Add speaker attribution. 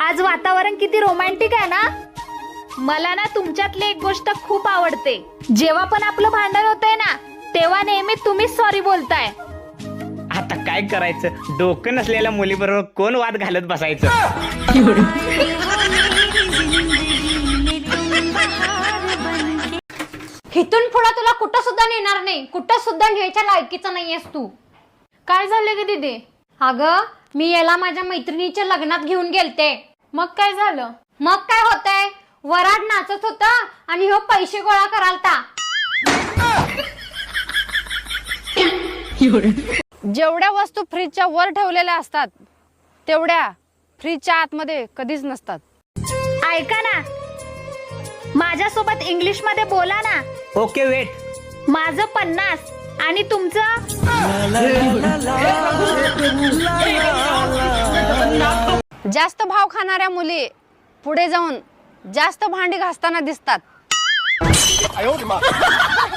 Speaker 1: आज वातावरण किती रोमॅन्टिक आहे ना. मला ना तुमच्यातली एक गोष्ट खूप आवडते. जेव्हा पण आपलं भांडण होतंय ना तेव्हा नेहमी तुम्हीच सॉरी बोलताय.
Speaker 2: आता काय करायचं, डोकं नसलेल्या मुलीबरोबर कोण वाद घालत बसायचं.
Speaker 3: इथून पुढे तुला कुठं सुद्धा नेणार नाही, कुठं सुद्धा न्यायच्या लायकीचा नाहीयेस तू.
Speaker 1: काय झालं ग दीदी?
Speaker 3: अगं मी याला माझ्या मैत्रिणीच्या लग्नात घेऊन गेलते.
Speaker 1: मग काय झालं?
Speaker 3: मग काय होतंय, वराड नाचत होता आणि हो पैसे गोळा करालता.
Speaker 4: जेवढ्या वस्तू फ्रीजच्या वर ठेवलेल्या असतात तेवढ्या फ्रीजच्या आतमध्ये कधीच नसतात.
Speaker 1: ऐका ना, माझ्यासोबत इंग्लिश मध्ये बोला ना.
Speaker 2: Okay wait.
Speaker 1: माझं 50 आणि तुमचं
Speaker 4: जास्त भाव खाणाऱ्या मुली पुढे जाऊन जास्त भांडी घासताना दिसतात.